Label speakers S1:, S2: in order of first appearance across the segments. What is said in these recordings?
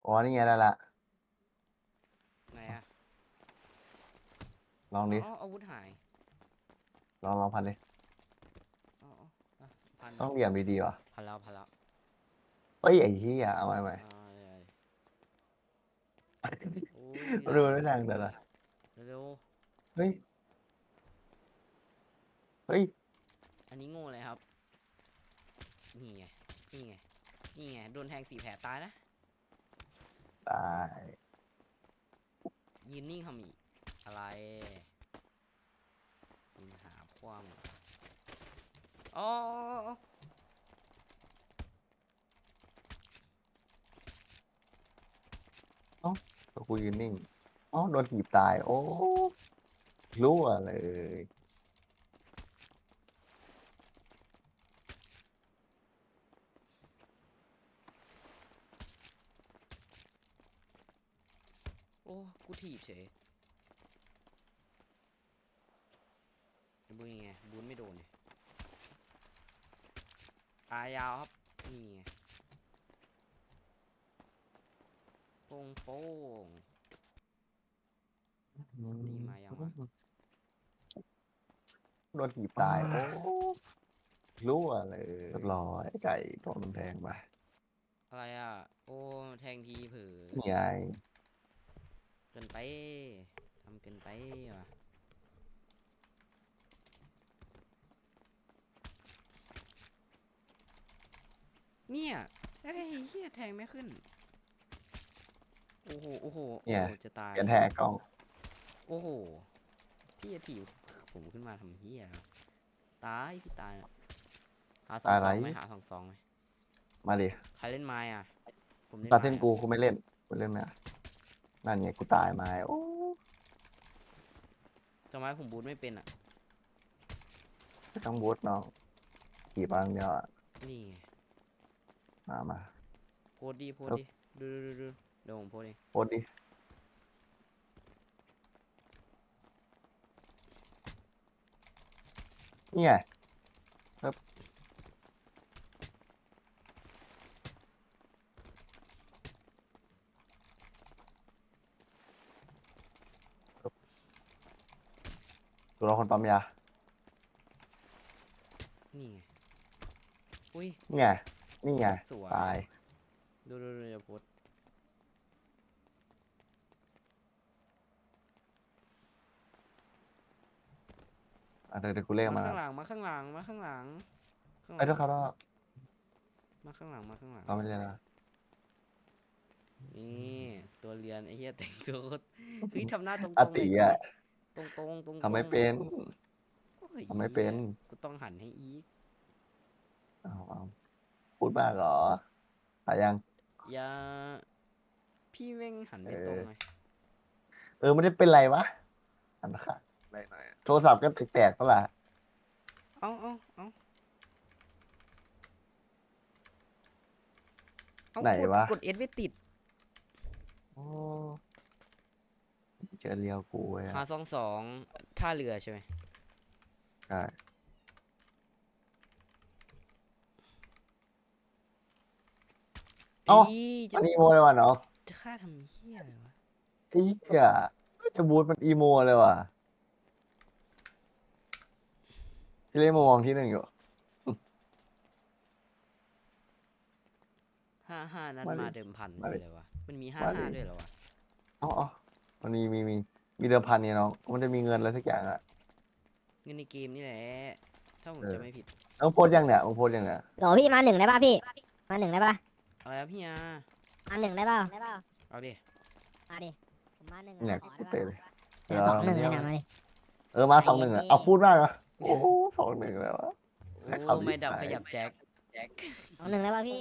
S1: อ๋อนี่ไงได้ละ
S2: ไหนอะ
S1: ลองดิ
S2: อ๋ออาวุธหาย
S1: ลองพันดิ
S2: อ๋ออ่ะพัน
S1: ต้องเหลี่ยมดีๆว่ะ
S2: พันแล้วพันแล้ว
S1: เอ้ยไอ้เหี้ยเอาใหม่
S2: อ่าเดี๋ยวโอ้ยมี
S1: ดู
S2: ดาบ
S1: ไม่ดังแต่ละ
S2: เร็ว
S1: เฮ้ยเฮ้ย
S2: ๆอันนี้โง่เลยครับนี่ไงนี่ไงนี่ไงโดนแทง4 แผลตายนะ
S1: ตาย
S2: ยืนนิ่งทำอีกอะไรคุณหาความอ๋อ
S1: เอ้าตัวกูยืนนิ่งอ๋อโดนถีบตายโอ้รั่วเลย
S2: โอ้กูถีบเฉยบูนยังไงบูนไม่โดนเลยตายยาวครับนี่ไงโป้งโป้งตีมายังวะ
S1: โดนถีบตายโอ้รั่วเลยเรียบร้อยไก่โดนมันแทงไป
S2: อะไรอ่ะโอ้แทงทีเผลอ
S1: นี่ไง
S2: เกินไปทำเกินไปว่ะเนี่ยเฮ้ยเฮียแทงไม่ขึ้นโอ้โหโอ้โหโอ้
S1: เนี่ย
S2: โหจะตาย
S1: เปลี่ยนแทงกล้อง
S2: โอ้โหพี่จะถีบผมขึ้นมาทำเฮียแล้วตายพี่ตายนะหาสอง
S1: อะไร
S2: สองไหมหาสองสองไหม
S1: มาดิ
S2: ใครเล่นไม้อ่ะผมเล่น
S1: ตัด
S2: ไม้อ่ะ
S1: เส้นกูไม่เล่นกูเล่นไหมอะนั่นไงกูตายมาโอ้
S2: ทำไมผมบูทไม่เป็นอ่ะ
S1: ไม่ต้องบูทน้องขี่บางเดียวอะ
S2: นี่ไง
S1: มา
S2: โพสต์ดีโพสต์
S1: แล้ว
S2: ดีดูเดี๋ยวผมโพสต์เอง
S1: โคตรดินี่ไงครับตัวเราคนปั๊มยา
S2: นี่ไงอุ้ย
S1: นี่ไงนี่ไง
S2: สว
S1: ตาย
S2: ยดูเดี๋ยวโพสต์
S1: เดี๋ยวกูเรียก
S2: มา
S1: มา
S2: ข้างหลังมาข้างหลังมาข้างหลังข้างห
S1: ไอ้ย
S2: ลัง
S1: ทุกเขาต้อง
S2: มาข้างหลังมาข้างหลัง
S1: เราไม่เรียกนะ
S2: นี่ตัวเรียนไอ้เหี้ยแต่งตัวโคตรเฮ้ยทำหน้าตร
S1: อา
S2: งๆหน่อยดิ
S1: ติอ่ะ
S2: ตรง
S1: ทำไม่เป็น
S2: โอ้ย
S1: ทำไม่เป็
S2: เหี้ย
S1: น
S2: กูต้องหันให้อีก
S1: เอาพูดมากเหรออะยัง
S2: อย่าพี่แม่งหัน
S1: เอ
S2: ไม่ตรง
S1: อ
S2: เลย
S1: ไม่ได้เป็นไรวะอันนะคะได้หน่อยโทรศัพท์ก็แตกๆก็ล่ะ
S2: เอา
S1: ไหนวะ
S2: กดเอสไม่ติด
S1: โอ้เจอเรียวกูเว้ย
S2: หา22ท่าเรือใช่ไหม
S1: ใช่เอ้า
S2: อีจะ
S1: มันอีโมเลยว่ะเนาะ
S2: จะฆ่าทำเหี้ยอะไรวะ
S1: ไอ้เหี้ยจะบูทมันอีโมเลยว่ะที่เล่นมามองที่หนึ่งอยู่
S2: 55นัด
S1: มาดิ
S2: มาเดิมพัน
S1: มาดิ
S2: คืออะไรวะมันมี
S1: มาดิ
S2: 55ด้วยเหรอวะ
S1: อ๋อมันมีเดิมพันเนี่ยน้องมันจะมีเงินอะไรสักอย่างอ่ะ
S2: เงินในเกมนี่แหละถ้าผม
S1: เออ
S2: จะไม่ผิด
S1: ต้องโพสต์ยังเนี่ยมึงโพสต์ยังเนี่ย
S3: โหลพี่มาหนึ่งได้ป่ะพี่มาหนึ่งได้ป่ะ
S2: อะไรครับพี่อา
S3: มาหนึ่งได้ป่ะ
S2: เอาดิ
S3: มาดิผมมาหนึ่ง
S1: เนี่ย
S3: ขอ
S1: กู
S3: ได้
S1: เตะ
S3: ป่ะ
S1: เลย
S3: เนี่ยสองหนึ่งเลยนะมาดิ
S1: มา2-1อ่ะเอาพูดมากอ่ะโอ้โห2-1เลยวะ
S2: โอ้
S1: ให้เขาดี
S2: ไม่ดับ
S1: ใจ
S2: ขยับแจ็ค
S3: สองหนึ่งได้ป่ะพี่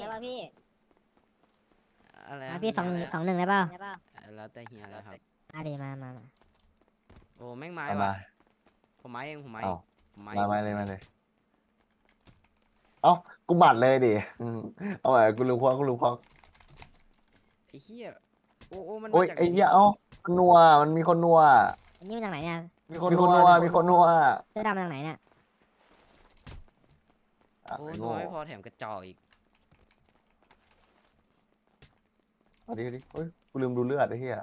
S2: อะไร
S3: มา
S2: นะ
S3: พี่สองหนึ่งได้ป่ะ
S2: แล้วแต่เฮียแล้วครับ
S3: มาดิมา
S2: โอ้แม่งไม้
S1: เอา
S2: ว่ะ
S1: มา
S2: ผมไม้เองผมไม้เอ
S1: เอา
S2: งผมไม้
S1: มา
S2: เอง
S1: เลยเอ้ากูบัดเลยดิเอาไงกูลืมควัก
S2: ไอ้เหี้ยโอ้มัน
S1: โอ้
S2: มาย จาก
S1: ไอ้
S2: ไหน
S1: เหี้ยเอ้ามันนัวมันมีคนนัว
S3: อันนี้มาจากไหนเนี่ย
S1: มีคนนัว
S3: เสื้อดำมาจากไหนเนี่ย
S1: อ่ะ
S2: โอ้
S1: ไอ้
S2: นั
S1: โง่
S2: วไม่พอแถมกระจอกอีก
S1: เอาดิเฮ้ยกูลืมดูเลือดไอ้เหี้ย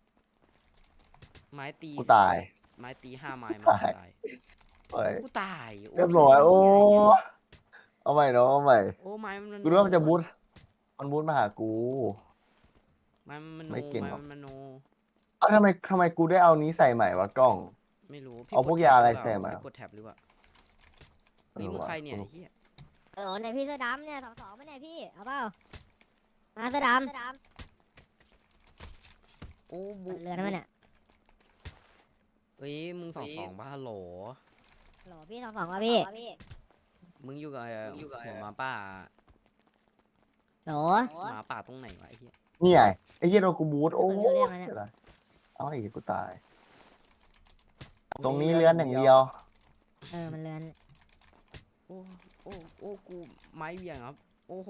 S2: ไม้ตี
S1: กูตาย
S2: ไม้ตี5 ไม้
S1: กู
S2: มา
S1: ตาย
S2: ตาย
S1: เฮ้ย
S2: กูตายโ
S1: เรียบร้อยโอ้
S2: เหี้ยเนี่ย
S1: เอาใหม่เนาะเอาใหม่
S2: โอ้ไม้มัน
S1: กูรู้ว่ามันจะบูทมันบูทมาหากู
S2: ไม้มันโน
S1: ไม่เก่ง
S2: ไม้
S1: หรอก
S2: มันโน
S1: เอ้าทำไมกูได้เอานี้ใส่ใหม่วะกล้อง
S2: ไม่รู้
S1: เอาพวก
S2: ด
S1: ยาอะไร
S2: แท็บหเปล่
S1: ใส่มา
S2: พี่กดแท็บหรือเปล่าเฮ้ยมึงใครเนี่ยไอ้เหี้ย
S3: โอ้เนี่ยพี่เสื้อดำเนี่ย2-2ไม่เนี่ยพี่เอาเปล่ามาเสื้อดำ
S2: โอ้บุ
S3: เรือนั่นมันเนี่ย
S2: เอ้ยมึง2-2ป่ะฮัลโหล
S3: โหลพี่2-2ว่ะพี่
S2: มึงอยู่กับหัวหมาป่า
S3: โหล
S2: หมาป่าตรงไหนวะไอ้เหี้ย
S1: นี่ไงไอ้เหี้ยโดนกูบูทโอ้
S3: ไม่รู้เรื่องแล้วเนี่ย
S1: เดี๋ยวนะเอาไอ้เหี้ยกูตาย ตรงนี้เลื้อนอย่างเดียว
S3: มันเรือน
S2: โอ้โอ้กูไม้เหวี่ยงครับ โอ้โห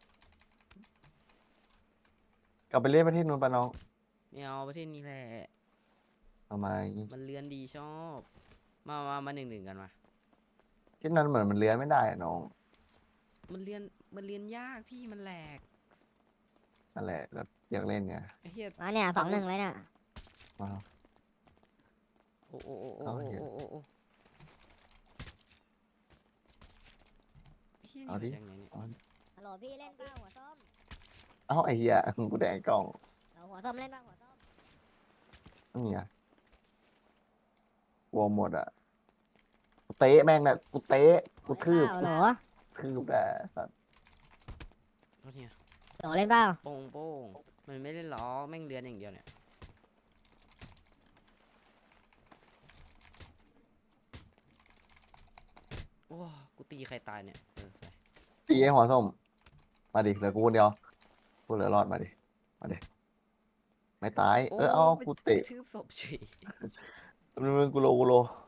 S1: กลับไปเล่นประเทศนู้นปะน้อง
S2: ไม่เอาประเทศนี้แหละ
S1: ทำไม
S2: มันเลือนดีชอบ มา1-1กันมา
S1: ที่นั้นเหมือนมันเลื้อนไม่ได้อะน้อง
S2: มันเรียนยากพี่มันแหลก
S1: นั่นแหละแบบอยากเล่นไง
S2: ไอ้เหี้ย
S3: มาเนี่ย2-1เลยเนี่ย
S1: มา
S2: โอ้
S1: เอาเหี้ย
S2: โอ้ไอ้เหี้ย
S1: เอาดิ
S2: นี่มาจากไหนเนี่ย
S3: ฮัลโหลพี่เล่นเปล่าหัวส้ม
S1: เอ้าไอ้เหี้ยกูแดงกล้อง
S3: เราหัวส้มเล่นเปล่าหัวส้ม
S1: นี่ไงกลัวหมดอ่ะกูเตะแม่งน่ะกูเตะกูทืบ
S3: โหล
S1: ทืบแต่สัตว์
S2: โทษเนี่ย
S3: โหลเล่นเปล่า
S2: โป้งมันไม่ได้ล้อแม่งเรียนอย่างเดียวเนี่ยโอ้กูตีใครตายเนี่ยสวย
S1: ตีไอ้หัวส้มมาดิเหลือกูคนเดียวกูเหลือรอดมาดิไม่ตายเอา
S2: ไป
S1: กู
S2: ก
S1: เตะ
S2: ระทืบศพเฉย
S1: มึงกูโล
S2: โ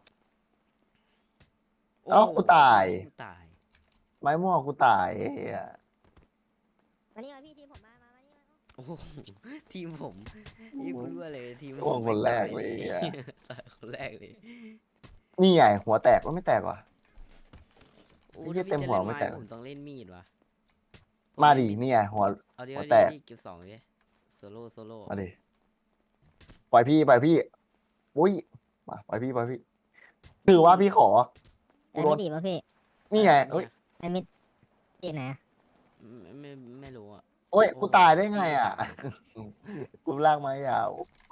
S1: เอ้ากูตาย
S2: กูตาย
S1: ไม้ม่วงกูตายไอ้เหี้ย
S3: มานี่มาพี่ทีมผมมานี่มา
S2: โอ้โหทีมผมนี่กูรู้เลยทีมผ
S1: ม่วง
S2: ม
S1: คนแรก
S2: ตา
S1: เลยไอ้เหี้ย
S2: ตายคนแรกเลย
S1: นี่ไงหัวแตกก็ไม่แตกว่ะ
S2: โอ้
S1: ไอ้เหี้ย
S2: ถ้าพี่
S1: เต็มหัว
S2: จะ
S1: ไม่
S2: ล่น
S1: แตก
S2: ผมต้องเล่นมีดว่ะ
S1: มาดินี่ไงหัว
S2: เอาดิ
S1: หัว
S2: เอา
S1: แต
S2: ดิ
S1: ก
S2: เก็บ2ดิโซโล่
S1: มาดิปล่อยพี่อุ้ยมาปล่อยพี่ถือว่าพี่ขอ
S3: แต่ไม่ดีป่ะพี่
S1: นี่ไงเอ้ย
S3: แต่ไม่ดีไหน
S2: ไม่รู้อ่ะ
S1: โอ้ย
S2: โอ้
S1: กูตายได้ไงอ่ะ กูลากไม้ยาว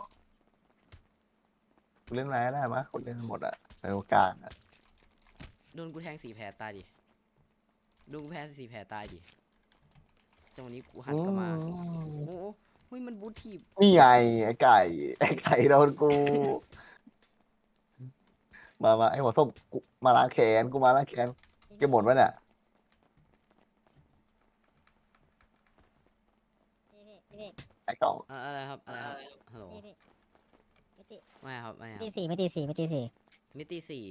S1: กูเล่นไม้ได้มะกูเล่นหมดอ่ะในโอกาสอะ
S2: โดนกูแทง4 แผลตายดิโดนกูแทง4 แผลตายดิจังหวะนี้กูหันกลับมาโอ้โหเฮ้ยมันบูททีบ
S1: นี่ไงไอ้ไก่โดนกู มาไอ้หัวส้มกูมาล้างแขนกูมาล้างแขนเก็บหมดวะเนี่ย
S3: พี่
S1: ไอ้กล่อง
S2: อะไรครับฮัลโหล
S3: พี่ไม่ตี
S2: ไม่ครับ
S3: ไม่ตี4ไม่ตี4ไม่ตี4
S2: มิติ4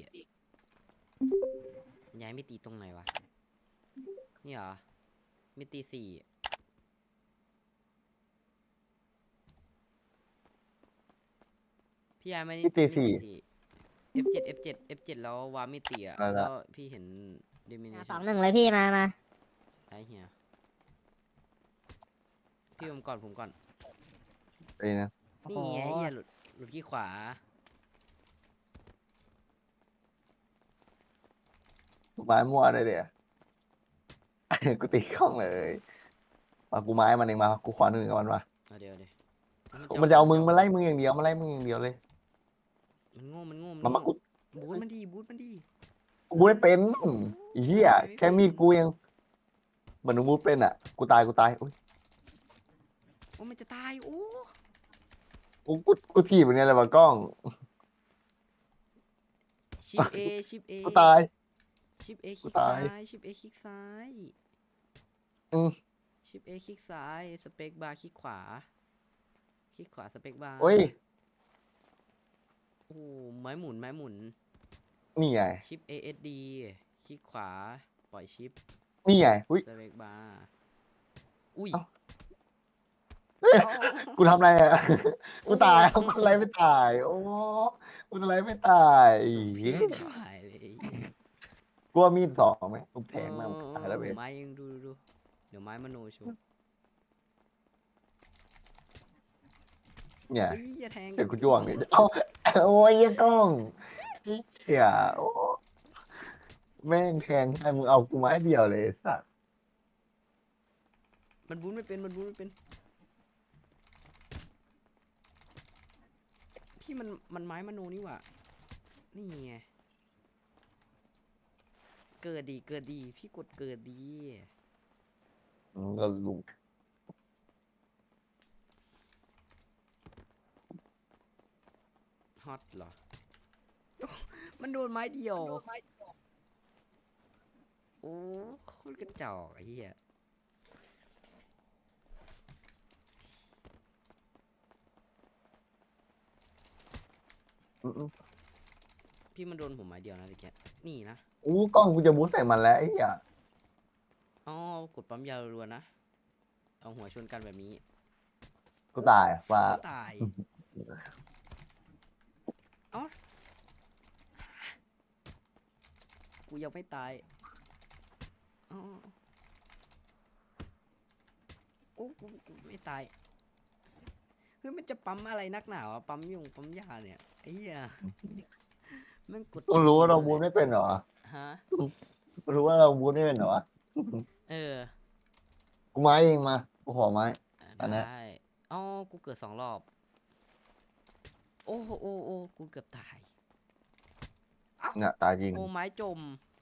S2: ย้ายมิติตรงไหนวะนี่เหรอมิติ4พี่ย้ายไม่ได้
S1: มิติสี่
S2: F7 แล้ววามิติอ่ะ
S1: อะไรนะ
S2: แล้วพี่เห็นดิมิเนชั่น
S3: 2-1เลยพี่มา
S2: ไอ้เหี้ยพี่ผมก่อน
S1: ไปนะ
S2: นี่ไงไอ้เหี้ยหลุดที่ขวา
S1: ไม้มั่วได้เดี๋ยว กูตีกล้องเลยมากูไม้มันเองมากูขอหนึ่งกับมันมา
S2: เอาเดี๋ยว
S1: มันจะเอามึงมาไล่มึงอย่างเดียวมาไล่มึงอย่างเดียวเลย
S2: มันโง่
S1: มากู
S2: บูทมันดี
S1: บูได้เป็นไอ้เหี้ยแค่มีดกูยังเหมือนมึงบูเป็นอ่ะกูตายอุ้ย
S2: โอ้มันจะตายโอ้
S1: กูถีบอย่างเนี้ยเลยว่ากล้อง
S2: ชิป A
S1: กูตาย
S2: ชิป A ค
S1: กู
S2: ลิก
S1: ตา
S2: ซ้าย ยชิป A คลิกซ้าย
S1: อืม
S2: ชิป A คลิกซ้ายสเปคบาร์คลิกขวาสเปคบาร์
S1: โอ้ย
S2: โอ้ไม้หมุน
S1: นี่ไง
S2: ชิป ASD คลิกขวาปล่อยชิป
S1: นี่ไงอุ้ย
S2: สเปคบาร์อุ้ย
S1: เอ้า กูทำอะไรอ่ะ กูตายกูทำอะไรไม่ตาย โอ้กูทำอะไรไม่ตาย
S2: พี่ชิบหายเลย
S1: กลัวมีดสองไหมกูแทงมันตายแล้วเว้ย
S2: ไม้ยังดูเดี๋ยวไม้มโนชู
S1: เนี่ย
S2: เฮ้ยอย่าแทง
S1: เดี๋ยวกูจ้วงเนี่ยเอาโอ้ยยังกล้องเฮียโอ้แม่งแทงให้มึงเอากูไม้เดียวเลยไอ้สัส
S2: มันบูนไม่เป็นมันบูนไม่เป็นพี่มันไม้มโนนี่หว่านี่ไงเกิดดีเกิดดีพี่กดเกิดดี
S1: มึงก็ลุง
S2: ฮอตเหรอ มันโดนไม้เดียว โอ้โคตรกระจอกไอ้เหี้ย
S1: อืม
S2: พี่มันโดนผมไม้เดียวนะตะเกียนี่นะ
S1: อู้กล้องกูจะบูสใส่มันแล้วไอ้เหี้ย
S2: อ๋อกดปั๊มยารัวๆนะ เอาหัวชนกันแบบนี้
S1: กูตายฟ้า
S2: ก็ตาย เอ้ากูยังไม่ตายอ๋อโอ้กูไม่ตายเฮ้ยมันจะปั๊มอะไรนักหนาวะปั๊มยุงปั๊มยาเนี่ยไอ้เหี้ยแมันกด
S1: ต้องรู้ว่าเราบูสไม่เป็นเหรอ
S2: ฮะ
S1: รู้ว่าเราบูสไม่เป็นเหรอวะ
S2: เออ
S1: กูไม้เองมากูขอไม้ อันเนี้ย
S2: ได้อ๋อกูเกิด2 รอบ โอ้กูเกือบตาย
S1: เนี่ยตายจริง
S2: โอ้ไม้จม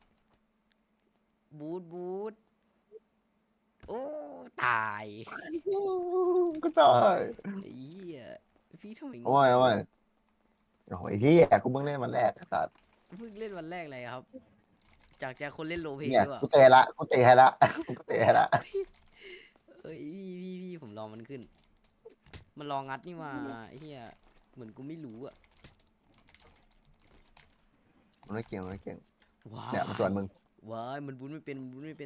S2: บูทโอ้ตาย
S1: ก็ตาย
S2: ไอ้เหี้ยพี่ทำไม
S1: โอ้ยโอ้ยโอ้ยเฮียกูเพิ่งเล่นวันแรกสัตว์
S2: เพิ่งเล่นวันแรกเลยครับ จากคนเล่นโรลเพลย์
S1: เนี่ย
S2: หรือเปล่า
S1: กูเตะละกูเตะให้ละกูเตะให้ละ
S2: เอ้ยพี่ผมลองมันขึ้น มันลองงัดนี่มาไอ้เหี้ยเหมือนกูไม่รู้อะ
S1: มันไม่เก่งมันไม่เก่ง
S2: ว้า
S1: เนี่ยมันส่วนมึง
S2: ว้ายมันบูนไม่เป็นบูนไม่เป็น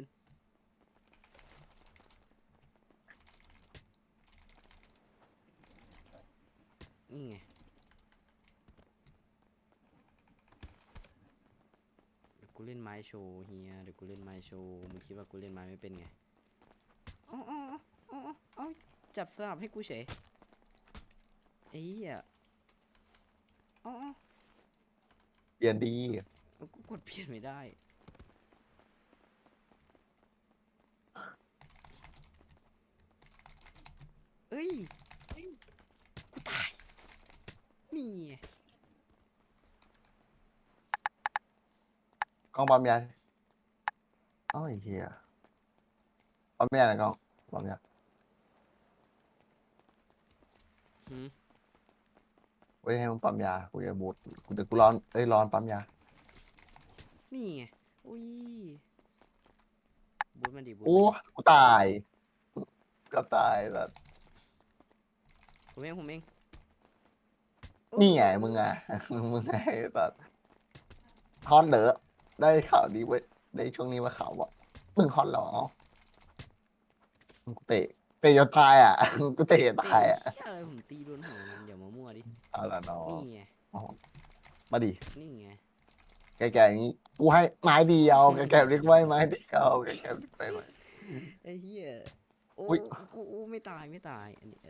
S2: นี่ไง เดี๋ยวกูเล่นไม้โชว์เฮียเดี๋ยวกูเล่นไม้โชว์มึงคิดว่ากูเล่นไม้ไม่เป็นไงอ๋อจับสลับให้กูเฉยไอ้เหี้ยอ๋อ
S1: เปลี่ยนดี
S2: กูกดเปลี่ยนไม่ได้เอ้ยกูตายนี่ไง
S1: กล้องปั๊มยาเอ้าไอ้เหี้ยปั๊มยาไหนกล้องปั๊มยา
S2: หืม
S1: เว้ยให้มึงปั๊มยากูจะบูทกูเดี๋ยวกูร้อนร้อนปั๊มยา
S2: นี่ไงอุ้ยบูทมันดิบูท
S1: โอ้
S2: มันดิ
S1: กูตายก็ตายแบบ
S2: ผมเอง
S1: นี่ไงมึงอ่ะ มึงไงแบบฮอตเหรอได้ข่าวดีเว้ยได้ช่วงนี้ว่าข่าวว่ามึงฮอตเหรอกูเตะจนตายอ่ะ กูเตะจน
S2: เตะ
S1: ตายอ่ะ
S2: เหี้ยอะไรผมตีโดนหัวมันอย่ามามั่วดิ
S1: เอาละน้อง
S2: นี่ไง
S1: มาดิ
S2: นี่ไง
S1: แกๆอย่างนี้กูให้ไม้เดียวแกๆเรียกไว้ไม้เดียวแกๆเรียกไว้ไม้
S2: ไอ้เหี้ยโอ้
S1: อุ๊ย
S2: โอ้ไม่ตายอันนี้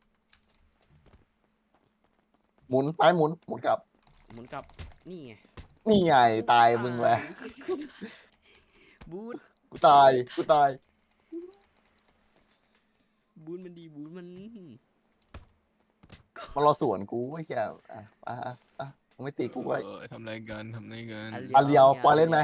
S1: หมุนไปหมุนกลับ
S2: หมุนกลับนี่ไง
S1: นี่ไงตายมึงเลย
S2: บูท
S1: กูตาย
S2: บูทมันดีบูทมัน
S1: มันรอสวนกูไอ้เหี้ยมึงไม่ตีกูไว้
S4: ทำไรกันทำไรกัน
S1: อันเดียวปล่อยเล่นไหม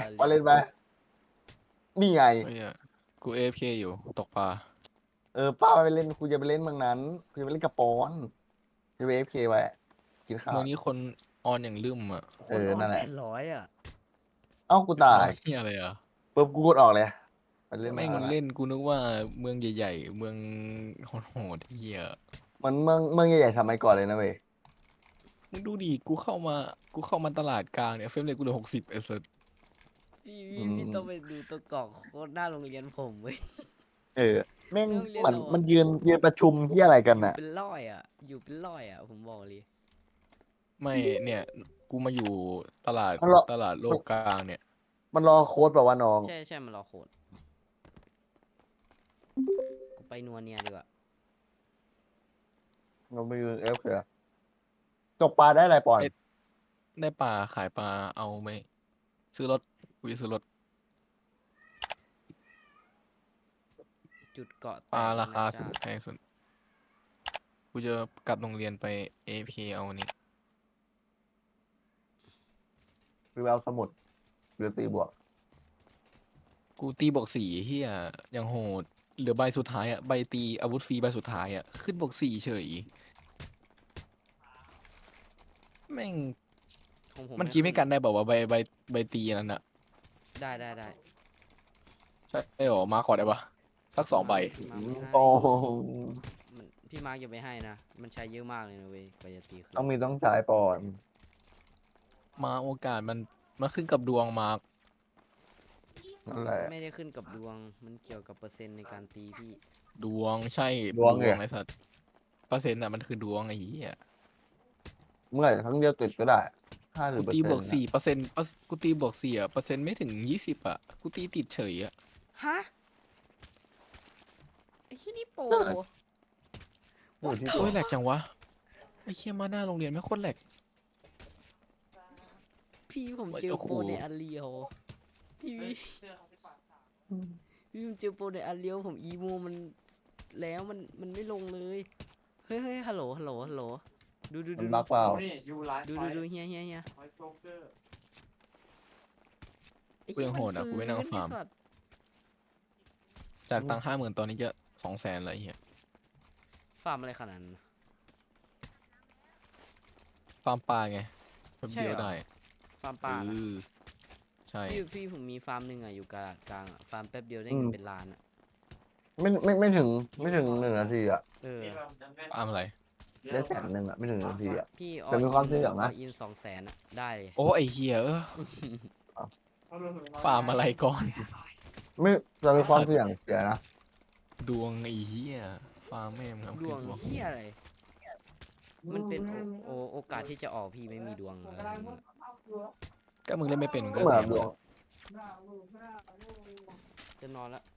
S1: นี่ไง
S4: ไอ้เหี้ยกูเอฟเคอยู่ตกปลา
S1: ป้าไปเล่นกูจะไปเล่นเมืองนั้นกูจะไปเล่นกระปอนจะไป AFK ไว้กินข้าว
S4: เมืองนี้คนออนอย่างลืมอ่ะ
S1: นั่นแหละ
S2: 800อ่ะ
S1: เอ้ากูตาย
S4: เฮียอะไรอ่ะ
S1: ปุ๊บกูกดออกเลยไปเล่น
S4: แม่ง
S1: มา
S4: เล่นกูนึกว่าเมืองใหญ่ๆเมืองโหดๆเฮีย
S1: มันเมืองใหญ่ๆสมัยก่อนเลยนะเว้ย
S4: มึงดูดิกูเข้ามาตลาดกลางเนี่ยเฟรมเรทกูเหลือ60ไอ้สัส
S2: พี่ต้องไปดูตัวกรอกโคตรหน้าโรงเรียนผมเว้ย
S1: แม่ง
S2: เรื่องเรียน
S1: เหมือน
S2: เราอะ
S1: มันยืนประชุมที่อะไรกันน่ะ
S2: เป็นร้อยอ่ะ อยู่เป็นร้อยอ่ะ ผมบอกเลย
S4: ไม่เนี่ยกูมาอยู่ตลาด
S1: มันรอ
S4: ตลาดโลกกลางเนี่ย
S1: มันรอโค้ดแบบว่าวะน้อง
S2: ใช่มันรอโคตรกูไปนัวเนียดีกว่า
S1: เราไปยืนเอฟเถอะตกปลาได้อะไรปอน
S4: ได้ปลาขายปลาเอาไหมซื้อรถกูจะซื้อรถ
S2: จุดเกาะแต
S4: ปลาก
S2: แล้
S4: ราว คา
S2: นะ
S4: สุ
S2: จ๊ะ
S4: ดแพงสุดกูจะกลับโรงเรียนไป AFK เอาอันนี้
S1: หรือเอาสมุดหรือตีบวก
S4: กูตีบวกสี่เฮียยังโหดเหลือใบสุดท้ายอ่ะใบตีอาวุธฟรีใบสุดท้ายอ่ะขึ้นบวกสี่เฉยแม่ง
S2: ของผม
S4: มันกี้ไม่
S2: ขึ้
S4: กันได้บอกว่าวาใบตีนั้นอ่ะ
S2: ได้ได้ได้
S4: ใช่หรอมาขอได้ปะสักสองใบ
S2: พี่มาร์คไม่ให้
S1: โอ้
S2: พี่มาร์คอย่าไปให้นะ มันใช้เยอะมากเลยนะเว้ยกว่าจะตีขึ้น
S1: ต้องใช้ปอน
S4: มาโอกาสมันขึ้นกับดวงมา
S1: นั่นแหละ
S2: ไม่ได้ขึ้นกับดวง มันเกี่ยวกับเปอร์เซ็นต์ในการตีพี่
S4: ดวงใช่
S1: ดวงเนี่ย
S4: ไอ้สัตว์เปอร์เซ็นต์อ่ะมันคือดวงไอ้เหี้ย
S1: เมื่อไหร่ครั้งเดียวติดก็ได้5 หรือ
S4: กู
S1: เปอร์
S4: ตี
S1: เซ็น
S4: บวก
S1: ต์
S4: สี่เปอร์เซ็นต์กูตีบวกสี่อ่ะเปอร์เซ็นต์ไม่ถึง20อ่ะกูตีติดเฉยอ่ะ
S2: ฮะ ไอ้ที่นี่โปร
S1: อยู่ที่
S4: โอ้ยแหลกจังวะไอ้เหี้ยมาหน้าโรงเรียนไม่โคตรแหลก
S2: พี่ผมเจอ
S4: โอ้โห
S2: โปรในอันเลียวพี่ผมเจอโปรในอันเลียวผมอีโมมันแล้วมันไม่ลงเลย เฮ้ยเฮ้ยฮัลโหลฮัลโหลฮัลโหลดู
S1: มันบักเปล่า
S5: นี่ยูไลฟ์
S2: ดูเฮีย
S5: ไฟโจ๊กเกอร์
S2: ไอ้
S4: กูยังโหดอ่ะกูไม่นั่งฟาร์ม
S2: ไอ้สัตว์
S4: จากตังค์50,000ตอนนี้จะ200,000แล้วไอ้เหี้ย
S2: ฟาร์มอะไรขนาดนั้น
S4: ฟาร์มปลาไงแป๊บ
S2: ใช่
S4: เดียว
S2: เหรอ
S4: ได้
S2: ฟาร์มป่า
S4: เอ
S2: นะ
S4: อใช่
S2: พี่ผมมีฟาร์มหนึ่งอ่ะอยู่กลางอ่ะฟาร์มแป๊บเดียวได้เงินเป็นล้านอ่ะ
S1: ไม่ถึง1 นาทีอ่ะ
S2: เออ
S4: ฟาร์มอะไร
S1: ได้100,000อ่ะไม่ถึง1 นาทีอ่ะ
S2: พี่
S1: แต่มีความเสี่ยงนะ
S2: อิน200,000อ่ะได้เลย
S4: โอ้ไอ้เหี้ยฟาร์มอะไรก่อน
S1: ไม่จะมีความเสี่ยงเสียนะ
S4: ดวงไอ้เหี้ยฟาร์มแม่งครับ
S2: ดวงเฮียอะไร มันเป็นโอกาสที่จะออกพี่ไม่มีดวงอะไรอย่างเงี้ย
S4: ก็มึงเล่นไม่เป็นมึง
S1: ก็
S4: ก็
S1: เหมือน
S4: เสีย
S1: ดวง
S2: จะนอนละ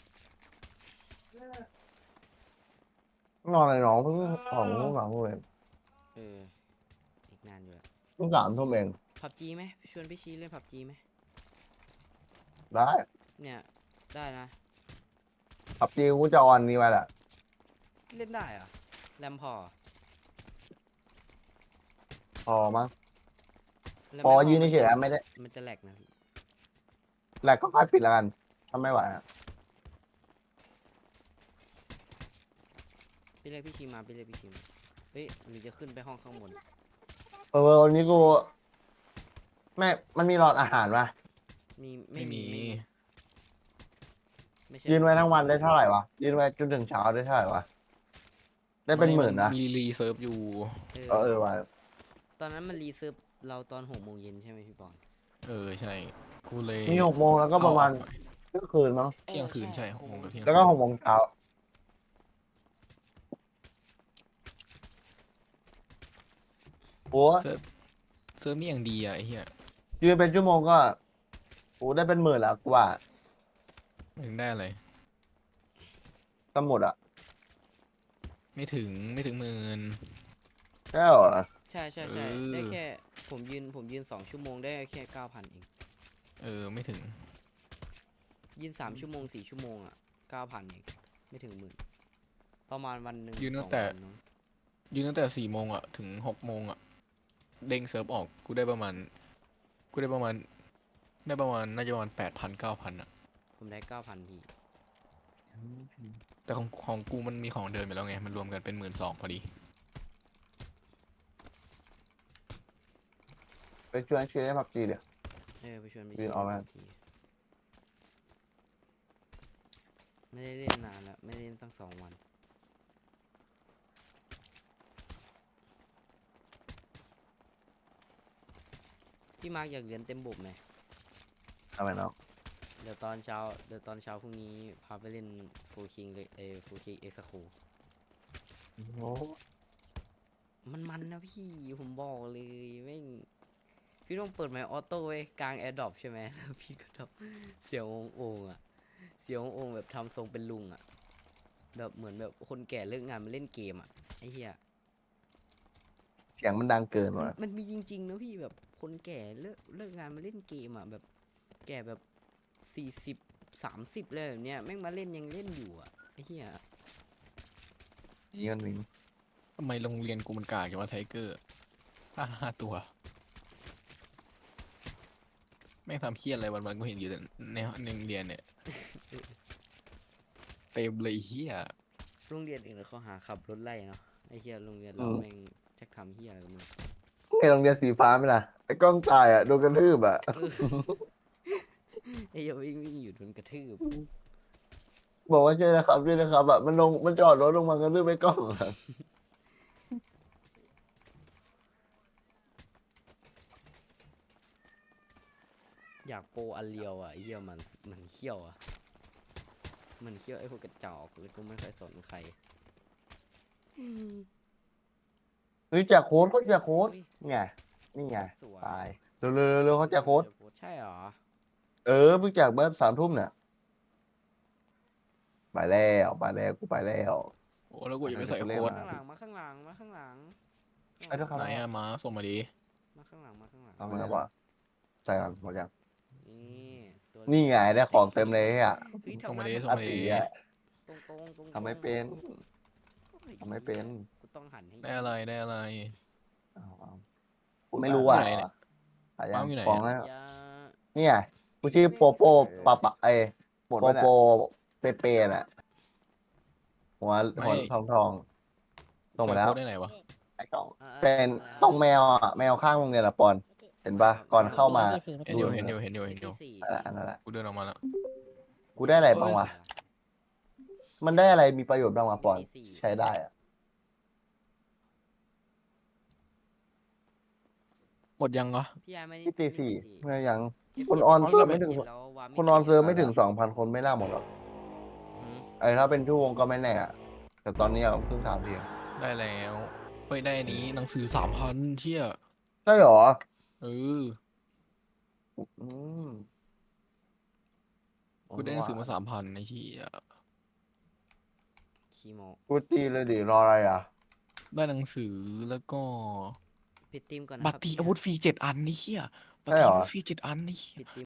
S1: นอนอะไรน้องเพิ่งของเพิ่งสามทุ่มเอง
S2: เอออีกนานอยู่ละ
S1: เพิ่ง3 ทุ่มเอง
S2: พับจีไหมชวนพี่ชี้เล่นพับจีไหม
S1: ได้
S2: เนี่ยได้นะ
S1: ขับจีกูจะออนนี้ไปแหละ
S2: เล่นได้เหรอะแรมพอ
S1: พอมั้ง
S2: แล้ว
S1: พอ
S2: ไม่
S1: ยืนเฉยๆอะไม่ได้
S2: มันจะแหลกนะพี่
S1: แหละก็ค่อยปิดแล้วกันถ้าไม่ไหวอะ
S2: พี่เรียกพี่ชีมาพี่เรียกพี่ชีมาเฮ้ยหรือจะขึ้นไปห้องข้างบน
S1: วันนี้กูแม่มันมีหลอดอาหารปะ
S4: ไม่มี
S2: ไม่ใช่
S1: ยืนไว้ทั้งวันได้เท่าไหร่วะยืนไว้จนถึงเช้าได้เท่าไหร่วะได้เป็นหมื่นนะ
S4: มีรีเซิร์ฟอยู่
S1: เออว่ะ
S2: ตอนนั้นมันรีเซิร์ฟเราตอน6 โมงเย็นใช่ไหมพี่บอล
S4: เออใช่กูเลย
S1: มี6 โมงแล้วก็ประมาณ
S4: เข้ออกหน่อย
S1: เที่ยงคืนมั้ง
S4: เที่ยงคืนใช่6 โมงกับเที่ยง
S1: แล้วก็6 โมงเช้าโอ้
S4: เซิร์ฟนี่อย่างดีอ่ะไอ้เหี้ย
S1: ยืนเป็นชั่วโมงก็โอ้ได้เป็นหมื่นแล้วกูว่า
S4: มึงได้อะไร
S1: สมุดอ่ะ
S4: ไม่ถึง10,000
S1: ใช่เหรอ
S2: ใช่
S4: เออ
S2: ได้แค่ผมยืน2 ชั่วโมงได้แค่9,000เอง
S4: เออไม่ถึง
S2: ยืน3 ชั่วโมง4 ชั่วโมงอ่ะ9,000เองไม่ถึง10,000ประมาณวันหนึ่ง
S4: ยืนตั้
S2: 2
S4: งแต่
S2: วันเนอะ
S4: ยืนตั้งแต่4 โมงอ่ะถึง6 โมงอ่ะเด้งเซิร์ฟออกกูได้ประมาณน่าจะประมาณ8,000 9,000อ่ะ
S2: ผมได้9,000พี่
S4: แต่ของกูมันมีของเดิมอยู่แล้วไงมันรวมกันเป็น12,000พอดี
S1: ไปชวนเชียร์ให้พับจีเดี๋ยว
S2: ไปชวนไป
S1: ยืนออกมา
S2: ทีไม่ได้เล่นนานแล้วไม่ได้เล่นตั้ง2 วันพี่มาร์กอยากเรียนเต็มบบไหม
S1: ทำไมเนาะ
S2: เดี๋ยวตอนเช้าพรุ่งนี้พาไปเล่นฟูคิงเลยฟูคิงเอ็กซ์โค
S1: โอ้
S2: มันนะพี่ผมบอกเลยแม่งพี่ต้องเปิดไมค์ออโต้ไว้กลางแอร์ดรอปใช่ไหมแล้วพี่ก็ทำเสียงโอ่งๆอ่ะเสียงโอ่งแบบทำทรงเป็นลุงอ่ะแบบเหมือนแบบคนแก่เลิกงานมาเล่นเกมอ่ะไอ้เหี้ย
S1: เสียงมันดังเกิน
S2: มัน
S1: ว่ะ
S2: มันมีจริงๆนะพี่แบบคนแก่เลิกงานมาเล่นเกมอ่ะแบบแก่แบบ40 30เลยแบบเนี้ยแม่งมาเล่นยังเล่นอยู่อ่ะไอ้เหี้ย
S1: นี่มันมี
S4: ทำไมโรงเรียนกูมันกากอย่างว่าไทเกอร์5 ตัวแม่งทำเครียดอะไรวันๆกูเห็นอยู่แต่ในโรงเรียนเนี่ยเต็มเลยเฮีย
S2: โรงเรียนอื่นเขาหาขับรถไล่เนาะไอ้เหี้ยโรงเรียนเราแม่งจะทำเหี้ยอะไรกันมั้ง
S1: ไอ้โรงเรียนสีฟ้าไหมล่ะไอ้กล้องตายอ่ะโดนกระทืบอ่ะ
S2: ไอ้เหี้ยวิ่งอยู่โดนกระทืบ
S1: บอกว่าช่วยนะครับแบบมันจอดรถลงมากระทืบไอ้กล้องอะ
S2: อยากโปรอันเลียวอ่ะไอ้เหี้ยมันเขี้ยวอ่ะมันเขี้ยวไอ้พวกกระจอกเลยกูไม่เคยสนใคร
S1: เฮ้ยแจกโค้ดเขาแจกโค้ด
S2: อุ๊ย
S1: นี่ไง
S2: สวย
S1: ตายเร็วเขาแจกโค้ด
S2: ใช่เหรอ
S1: เพิ่งแจกเมื่อ3 ทุ่มเนี่ยไปแล้วกูไปแล้ว
S4: โอ้แล้วกูจะไปใส่โค้ด
S2: ข้างหลังมาข้างหลังมาข้างหลัง
S1: ไปด้วยครับ
S4: ไหนอะมาส่งมาดิ
S2: มาข้างหลังมาข้างหลัง
S1: เอามาแล้วว่าใส่ก่อนหมดยัง
S2: นี่ตัว
S1: นี่ไงได้ของเต็มเลยอ่ะ
S2: เฮ้ย
S4: ส่งมา
S2: ทำ
S4: ดิ
S2: ได้
S4: ส่ง
S1: อา
S4: มา
S1: ตี
S4: ดิ
S1: อ่ะ
S2: ตรง
S1: ทำไม่เป็น ทำไม่เป็น
S2: กูต้องหันให้
S4: ได้อะไรได้อะไร
S1: กูไม่รู้อ่ะ
S4: ไหนเนี่ย
S1: หายั
S4: วาง งอยู่ไหน
S1: ของ
S4: อะ
S1: แล้ว
S2: อย่า
S1: เนี่ยกูชื่อโปโปปะปะ
S5: หมด
S1: โป
S5: แล้ว
S1: โป
S5: เนี่ย
S1: เปน่ะหัวทองส่งมา
S4: ใส่
S1: แล้ว
S4: โค้ดได้ไหนวะ
S1: ไอ้กล่อง
S2: อ่า
S1: เป็นต้องแมวอ่ะแมวข้างโรงเรียนละปอน เห็นปะก่อนเข้ามา
S4: เห็นอยู่เห็นอยู่เห็นอยู่เห็นอยู่
S2: สี่
S1: อันนั้นแหละ
S4: กูเดินออกมาแล้ว
S1: กูได้อะไรบ้างวะ มันได้อะไรมีประโยชน์บ้างวะปอน ใช้ได้อ่ะ
S4: หมดยังวะ
S2: พี่ยายไม่ได้
S1: ที่ตีสี่
S2: ไม่
S1: เมื่
S2: ตี
S1: อยัง
S2: สี่
S1: คนออนเซิร์ฟไม่ถึง
S2: เจ็ดแล้ววา
S1: คนออนเซิร์ฟไม่ถึง 2,000 คนไม่น่าหมดหรอก
S2: หืม
S1: ไอ้ถ้าเป็นชั่วโมงก็ไม่แน่อะแต่ตอนนี้เราเพิ่ง3 ที
S4: ได้แล้วเฮ้ยได้อันนี้หนังสือ3,000เชี่ย
S1: ใช่หรอ
S4: เออ
S1: อืม
S4: กูได้หนังสือมา3,000ไอ้เหี้ย
S2: คีโม
S1: กูตีเลยดิรออะไรอ่ะ
S4: ได้หนังสือแล้วก็
S2: ปิดทีมก่อนนะ
S4: บัต
S2: ค
S4: ร
S2: รับ
S4: ตี
S2: พี่
S4: อาวุธฟรี7 อันนี่เหี้ยบัตร
S1: ใช่
S4: ตี
S1: เหรอ
S4: อาวุธฟรี7 อันนี่เหี้ย
S2: ปิดทีม